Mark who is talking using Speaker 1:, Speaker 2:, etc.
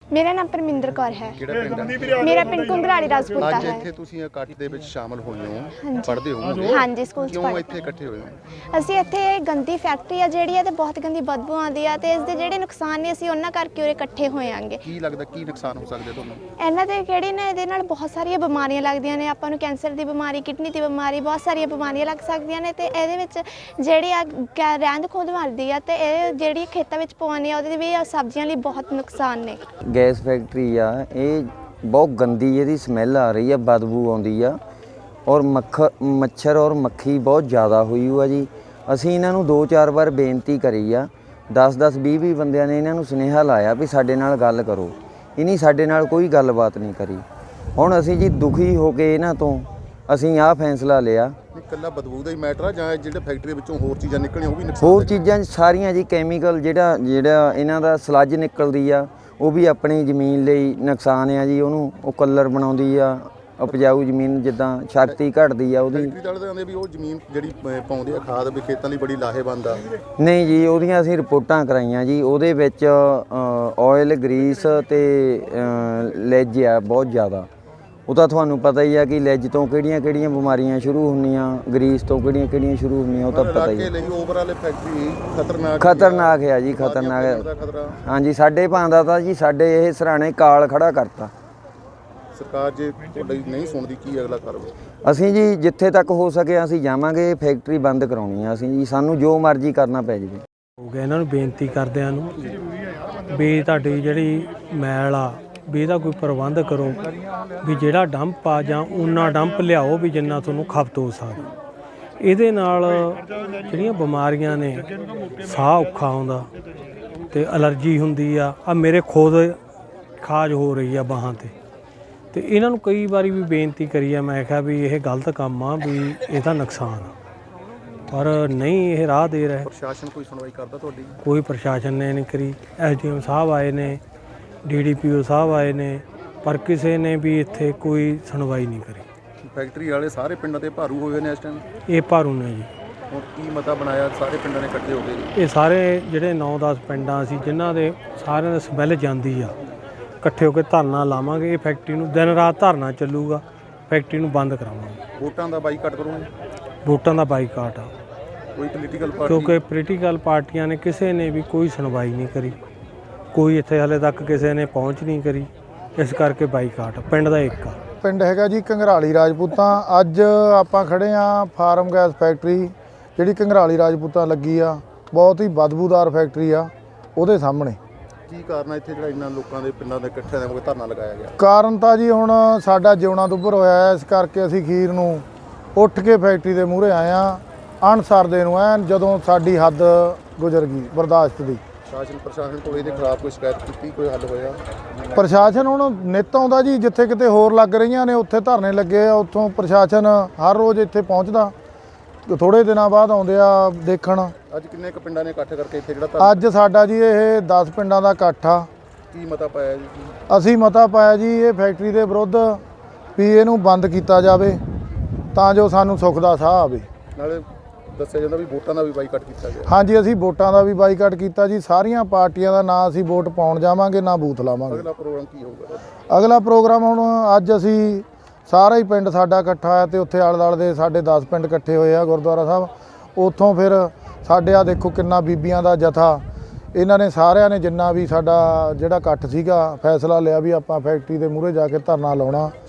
Speaker 1: मेरा नाम परमिंदर कौर है। मेरा पिंड घुंघराली राजपूता है।
Speaker 2: ਇੱਥੇ ਤੁਸੀਂ ਇਕੱਠ ਦੇ ਵਿੱਚ ਸ਼ਾਮਲ ਹੋਏ ਹੋ, ਪੜ੍ਹਦੇ ਹੋ?
Speaker 1: ਹਾਂਜੀ ਸਕੂਲ ਚ
Speaker 2: ਕਿਉਂ ਇੱਥੇ ਇਕੱਠੇ ਹੋਏ ਹੋ?
Speaker 1: ਅਸੀਂ ਇੱਥੇ ਗੰਦੀ ਫੈਕਟਰੀ ਆ ਜਿਹੜੀ ਹੈ ਤੇ ਬਹੁਤ ਗੰਦੀ ਬਦਬੂ ਆਉਂਦੀ ਆ ਤੇ ਇਸ ਦੇ ਜਿਹੜੇ ਨੁਕਸਾਨ ਨੇ ਅਸੀਂ ਉਹਨਾਂ ਕਰਕੇ ਉਰੇ ਇਕੱਠੇ ਹੋਏ ਆਂਗੇ।
Speaker 2: ਕੀ ਲੱਗਦਾ ਕੀ ਨੁਕਸਾਨ ਹੋ ਸਕਦੇ ਤੁਹਾਨੂੰ?
Speaker 1: ਇਹਨਾਂ ਦੇ ਕਿਹੜੀ ਨੇ ਇਹਦੇ ਨਾਲ ਬਹੁਤ ਸਾਰੀਆਂ ਬਿਮਾਰੀਆਂ ਲੱਗਦੀਆਂ ਨੇ ਆਪਾਂ ਨੂੰ, ਕੈਂਸਰ ਦੀ ਬਿਮਾਰੀ, ਕਿਡਨੀ ਦੀ ਬਿਮਾਰੀ, ਬਹੁਤ ਸਾਰੀਆਂ ਬਿਮਾਰੀਆਂ ਲੱਗ ਸਕਦੀਆਂ ਨੇ ਤੇ ਇਹਦੇ ਵਿੱਚ ਜਿਹੜੀ ਆ ਰਹਿੰਦ ਖੂੰਹਦ ਮਰਦੀ ਆ ਤੇ ਇਹ ਜਿਹੜੀ ਖੇਤਾਂ ਵਿੱਚ ਪਵਾਉਂਦੇ ਆ ਉਹਦੇ ਵੀ ਸਬਜ਼ੀਆਂ ਲਈ ਬਹੁਤ ਨੁਕਸਾਨ ਨੇ।
Speaker 3: ਗੈਸ ਫੈਕਟਰੀ ਆ ਇਹ ਬਹੁਤ ਗੰਦੀ ਇਹਦੀ ਸਮੈਲ ਆ ਰਹੀ ਆ, ਬਦਬੂ ਆਉਂਦੀ ਆ ਔਰ ਮੱਛਰ ਔਰ ਮੱਖੀ ਬਹੁਤ ਜ਼ਿਆਦਾ ਹੋਈ ਹੋਆ ਜੀ। ਅਸੀਂ ਇਹਨਾਂ ਨੂੰ 2-4 ਵਾਰ ਬੇਨਤੀ ਕਰੀ ਆ, 10-10 20-20 ਬੰਦਿਆਂ ਨੇ ਇਹਨਾਂ ਨੂੰ ਸੁਨੇਹਾ ਲਾਇਆ ਵੀ ਸਾਡੇ ਨਾਲ ਗੱਲ ਕਰੋ। ਇਹਨੀ ਸਾਡੇ ਨਾਲ ਕੋਈ ਗੱਲਬਾਤ ਨਹੀਂ ਕਰੀ। ਹੁਣ ਅਸੀਂ ਜੀ ਦੁਖੀ ਹੋ ਕੇ ਇਹਨਾਂ ਤੋਂ ਅਸੀਂ ਆਹ ਫੈਸਲਾ ਲਿਆ।
Speaker 2: ਇਕੱਲਾ ਬਦਬੂ ਦਾ ਹੀ ਮੈਟਰ ਆ ਜਾਂ ਜਿਹੜੇ ਫੈਕਟਰੀ ਵਿੱਚੋਂ ਹੋਰ ਚੀਜ਼ਾਂ ਨਿਕਲਣੀਆਂ ਉਹ ਵੀ ਨੁਕਸਾਨ?
Speaker 3: ਹੋਰ ਚੀਜ਼ਾਂ ਸਾਰੀਆਂ ਜੀ, ਕੈਮੀਕਲ ਜਿਹੜਾ ਇਹਨਾਂ ਦਾ ਸਲੱਜ ਨਿਕਲਦੀ ਆ ਉਹ ਵੀ ਆਪਣੀ ਜ਼ਮੀਨ ਲਈ ਨੁਕਸਾਨ ਆ ਜੀ। ਉਹਨੂੰ ਉਹ ਕਲਰ ਬਣਾਉਂਦੀ ਆ, ਉਪਜਾਊ ਜ਼ਮੀਨ ਜਿੱਦਾਂ ਸ਼ਕਤੀ ਘਟਦੀ ਆ ਉਹਦੀ।
Speaker 2: ਫੈਕਟਰੀ ਵਾਲੇ ਕਹਿੰਦੇ ਵੀ ਉਹ ਜ਼ਮੀਨ ਜਿਹੜੀ ਪਾਉਂਦੇ ਆ ਖਾਦ ਵੀ ਖੇਤਾਂ ਲਈ ਬੜੀ ਲਾਹੇਵੰਦ ਆ।
Speaker 3: ਨਹੀਂ ਜੀ, ਉਹਦੀਆਂ ਅਸੀਂ ਰਿਪੋਰਟਾਂ ਕਰਾਈਆਂ ਜੀ। ਉਹਦੇ ਵਿੱਚ ਆਇਲ, ਗਰੀਸ ਤੇ ਲੈਜ ਆ ਬਹੁਤ ਜ਼ਿਆਦਾ। ਉਹ ਤਾਂ ਤੁਹਾਨੂੰ ਪਤਾ ਹੀ ਆ ਕਿ ਲੈਜ ਤੋਂ ਕਿਹੜੀਆਂ ਬਿਮਾਰੀਆਂ ਸ਼ੁਰੂ ਹੁੰਦੀਆਂ, ਗਰੀਸ ਤੋਂ ਕਿਹੜੀਆਂ ਸ਼ੁਰੂ ਹੁੰਦੀਆਂ, ਉਹ ਤਾਂ ਪਤਾ ਹੀ ਆ।
Speaker 2: ਓਵਰਆਲ ਫੈਕਟਰੀ
Speaker 3: ਖਤਰਨਾਕ ਆ ਜੀ, ਖਤਰਨਾਕ। ਹਾਂਜੀ, ਸਾਡੇ ਭਾਂਦਾ ਤਾਂ ਜੀ ਸਾਡੇ ਇਹ ਸਰਾਣੇ ਕਾਲ ਖੜਾ ਕਰਤਾ।
Speaker 2: ਸਰਕਾਰ ਜੇ ਤੁਹਾਡੀ ਨਹੀਂ ਸੁਣਦੀ ਕੀ ਅਗਲਾ ਕਰੋ? ਅਸੀਂ
Speaker 3: ਜੀ ਜਿੱਥੇ ਤੱਕ ਹੋ ਸਕੇ ਅਸੀਂ ਜਾਵਾਂਗੇ, ਫੈਕਟਰੀ ਬੰਦ ਕਰਾਉਣੀ ਆ ਅਸੀਂ ਜੀ, ਸਾਨੂੰ ਜੋ ਮਰਜ਼ੀ ਕਰਨਾ ਪੈ ਜਾਵੇ।
Speaker 4: ਹੋ ਗਿਆ ਇਹਨਾਂ ਨੂੰ ਬੇਨਤੀ ਕਰਦਿਆਂ ਨੂੰ ਵੀ ਤੁਹਾਡੀ ਜਿਹੜੀ ਮੈਲ ਆ ਵੀ ਇਹਦਾ ਕੋਈ ਪ੍ਰਬੰਧ ਕਰੋ, ਵੀ ਜਿਹੜਾ ਡੰਪ ਆ ਜਾਂ ਉਨਾ ਡੰਪ ਲਿਆਓ ਵੀ ਜਿੰਨਾ ਤੁਹਾਨੂੰ ਖਪਤ ਹੋ ਸਕਦਾ। ਇਹਦੇ ਨਾਲ ਜਿਹੜੀਆਂ ਬਿਮਾਰੀਆਂ ਨੇ, ਸਾਹ ਔਖਾ ਆਉਂਦਾ ਤੇ ਅਲਰਜੀ ਹੁੰਦੀ ਆ। ਮੇਰੇ ਖੁਦ ਖਾਜ ਹੋ ਰਹੀ ਆ ਬਾਹਾਂ ਤੇ ਇਹਨਾਂ ਨੂੰ ਕਈ ਵਾਰੀ ਵੀ ਬੇਨਤੀ ਕਰੀ ਆ, ਮੈਂ ਕਿਹਾ ਵੀ ਇਹ ਗਲਤ ਕੰਮ ਆ, ਵੀ ਇਹਦਾ ਨੁਕਸਾਨ ਆ, ਪਰ ਨਹੀਂ ਇਹ ਰਾਹ ਦੇ ਰਿਹਾ।
Speaker 2: ਪ੍ਰਸ਼ਾਸਨ ਕੋਈ ਸੁਣਵਾਈ ਕਰਦਾ ਤੁਹਾਡੀ?
Speaker 4: ਕੋਈ ਪ੍ਰਸ਼ਾਸਨ ਨੇ ਨਹੀਂ ਕਰੀ। SDM ਸਾਹਿਬ ਆਏ ਨੇ, DDPO ਸਾਹਿਬ ਆਏ ਨੇ, ਪਰ ਕਿਸੇ ਨੇ ਵੀ ਇੱਥੇ ਕੋਈ ਸੁਣਵਾਈ ਨਹੀਂ ਕਰੀ।
Speaker 2: ਫੈਕਟਰੀ ਵਾਲੇ ਸਾਰੇ ਪਿੰਡਾਂ ਦੇ ਭਾਰੂ ਹੋਏ ਨੇ ਇਸ ਟਾਈਮ?
Speaker 4: ਇਹ ਭਾਰੂ ਨੇ ਜੀ।
Speaker 2: ਹੁਣ ਕੀ ਮਤਾ ਬਣਾਇਆ ਸਾਰੇ ਪਿੰਡਾਂ ਨੇ ਇਕੱਠੇ ਹੋ ਕੇ?
Speaker 4: ਇਹ ਸਾਰੇ ਜਿਹੜੇ 9-10 ਪਿੰਡਾਂ ਸੀ ਜਿਨ੍ਹਾਂ ਦੇ ਸਾਰਿਆਂ ਦੇ ਸਮੈਲ ਜਾਂਦੀ ਆ, ਇਕੱਠੇ ਹੋ ਕੇ ਧਰਨਾ ਲਾਵਾਂਗੇ। ਇਹ ਫੈਕਟਰੀ ਨੂੰ ਦਿਨ ਰਾਤ ਧਰਨਾ ਚੱਲੂਗਾ, ਫੈਕਟਰੀ ਨੂੰ ਬੰਦ ਕਰਾਵਾਂਗੇ।
Speaker 2: ਵੋਟਾਂ ਦਾ ਬਾਈਕਾਟ ਕਰੋਗੇ?
Speaker 4: ਵੋਟਾਂ ਦਾ ਬਾਈਕਾਟ ਆ,
Speaker 2: ਕੋਈ ਪੋਲੀਟੀਕਲ ਪਾਰਟੀ?
Speaker 4: ਕਿਉਂਕਿ ਪੋਲੀਟੀਕਲ ਪਾਰਟੀਆਂ ਨੇ ਕਿਸੇ ਨੇ ਵੀ ਕੋਈ ਸੁਣਵਾਈ ਨਹੀਂ ਕਰੀ, ਕੋਈ ਇੱਥੇ ਹਾਲੇ ਤੱਕ ਕਿਸੇ ਨੇ ਪਹੁੰਚ ਨਹੀਂ ਕਰੀ, ਇਸ ਕਰਕੇ ਬਾਈਕਾਟ। ਪਿੰਡ ਦਾ ਇੱਕ ਆ,
Speaker 5: ਪਿੰਡ ਹੈਗਾ ਜੀ ਘੁੰਘਰਾਲੀ ਰਾਜਪੂਤਾਂ। ਅੱਜ ਆਪਾਂ ਖੜੇ ਆ ਫਾਰਮ ਗੈਸ ਫੈਕਟਰੀ ਜਿਹੜੀ ਘੁੰਘਰਾਲੀ ਰਾਜਪੂਤਾਂ ਲੱਗੀ ਆ, ਬਹੁਤ ਹੀ ਬਦਬੂਦਾਰ ਫੈਕਟਰੀ ਆ, ਉਹਦੇ ਸਾਹਮਣੇ।
Speaker 2: ਕੀ ਕਾਰਨ ਹੈ ਇੱਥੇ ਜਿਹੜਾ ਇੰਨਾ ਲੋਕਾਂ ਦੇ ਪਿੰਡਾਂ ਦੇ ਇਕੱਠਿਆਂ ਦੇ ਧਰਨਾ ਲਗਾਇਆ ਗਿਆ?
Speaker 5: ਕਾਰਨ ਤਾਂ ਜੀ ਹੁਣ ਸਾਡਾ ਜਿਉਣਾ ਦੁੱਭਰ ਹੋਇਆ ਹੈ, ਇਸ ਕਰਕੇ ਅਸੀਂ ਅਖੀਰ ਨੂੰ ਉੱਠ ਕੇ ਫੈਕਟਰੀ ਦੇ ਮੂਹਰੇ ਆਏ ਆ, ਅਣਸਰਦੇ ਨੂੰ ਐਨ ਜਦੋਂ ਸਾਡੀ ਹੱਦ ਗੁਜ਼ਰ ਗਈ ਬਰਦਾਸ਼ਤ ਦੀ।
Speaker 2: ਪ੍ਰਸ਼ਾਸਨ ਕੋਲ ਇਹਦੇ ਖਿਲਾਫ ਕੋਈ ਸ਼ਿਕਾਇਤ ਕੀਤੀ, ਕੋਈ ਹੱਲ ਹੋਇਆ?
Speaker 5: ਪ੍ਰਸ਼ਾਸਨ ਹੁਣ ਨਿੱਤ ਆਉਂਦਾ ਜੀ, ਜਿੱਥੇ ਕਿਤੇ ਹੋਰ ਲੱਗ ਰਹੀਆਂ ਨੇ ਉੱਥੇ ਧਰਨੇ ਲੱਗੇ ਆ, ਉੱਥੋਂ ਪ੍ਰਸ਼ਾਸਨ ਹਰ ਰੋਜ਼ ਇੱਥੇ ਪਹੁੰਚਦਾ, ਥੋੜੇ ਦਿਨਾਂ ਬਾਅਦ ਆਉਂਦੇ ਆ ਦੇਖਣ।
Speaker 2: ਅੱਜ ਕਿੰਨੇ ਕੁ ਪਿੰਡਾਂ ਨੇ ਇਕੱਠ ਕਰਕੇ ਇੱਥੇ ਜਿਹੜਾ
Speaker 5: ਅੱਜ ਸਾਡਾ ਜੀ ਇਹ 10 ਪਿੰਡਾਂ ਦਾ ਇਕੱਠ ਆ।
Speaker 2: ਕੀ ਮਤਾ ਪਾਇਆ ਜੀ?
Speaker 5: ਅਸੀਂ ਮਤਾ ਪਾਇਆ ਜੀ ਇਹ ਫੈਕਟਰੀ ਦੇ ਵਿਰੁੱਧ ਵੀ ਇਹਨੂੰ ਬੰਦ ਕੀਤਾ ਜਾਵੇ ਤਾਂ ਜੋ ਸਾਨੂੰ ਸੁੱਖ ਦਾ ਸਾਹ ਆਵੇ।
Speaker 2: ਨਾਲੇ ਦੱਸਿਆ ਜਾਂਦਾ ਵੀ ਵੋਟਾਂ ਦਾ ਵੀ ਬਾਈਕਾਟ ਕੀਤਾ ਗਿਆ।
Speaker 5: ਹਾਂਜੀ, ਅਸੀਂ ਵੋਟਾਂ ਦਾ ਵੀ ਬਾਈਕਾਟ ਕੀਤਾ ਜੀ। ਸਾਰੀਆਂ ਪਾਰਟੀਆਂ ਦਾ ਨਾ ਅਸੀਂ ਵੋਟ ਪਾਉਣ ਜਾਵਾਂਗੇ ਨਾ ਬੂਥ ਲਾਵਾਂਗੇ।
Speaker 2: ਅਗਲਾ ਪ੍ਰੋਗਰਾਮ ਕੀ ਹੋਊਗਾ?
Speaker 5: ਅਗਲਾ ਪ੍ਰੋਗਰਾਮ ਹੁਣ ਅੱਜ ਅਸੀਂ ਸਾਰਾ ਹੀ ਪਿੰਡ ਸਾਡਾ ਇਕੱਠਾ ਹੋਇਆ ਤੇ ਉੱਥੇ ਆਲੇ ਦੁਆਲੇ ਦੇ ਸਾਡੇ 10 ਪਿੰਡ ਇਕੱਠੇ ਹੋਏ ਆ ਗੁਰਦੁਆਰਾ ਸਾਹਿਬ। ਉੱਥੋਂ ਫਿਰ ਸਾਡੇ ਆ ਦੇਖੋ ਕਿੰਨਾ ਬੀਬੀਆਂ ਦਾ ਜਥਾ, ਇਹਨਾਂ ਨੇ ਸਾਰਿਆਂ ਨੇ ਜਿੰਨਾ ਵੀ ਸਾਡਾ ਜਿਹੜਾ ਇਕੱਠ ਸੀਗਾ ਫੈਸਲਾ ਲਿਆ ਵੀ ਆਪਾਂ ਫੈਕਟਰੀ ਦੇ ਮੂਹਰੇ ਜਾ ਕੇ ਧਰਨਾ ਲਾਉਣਾ।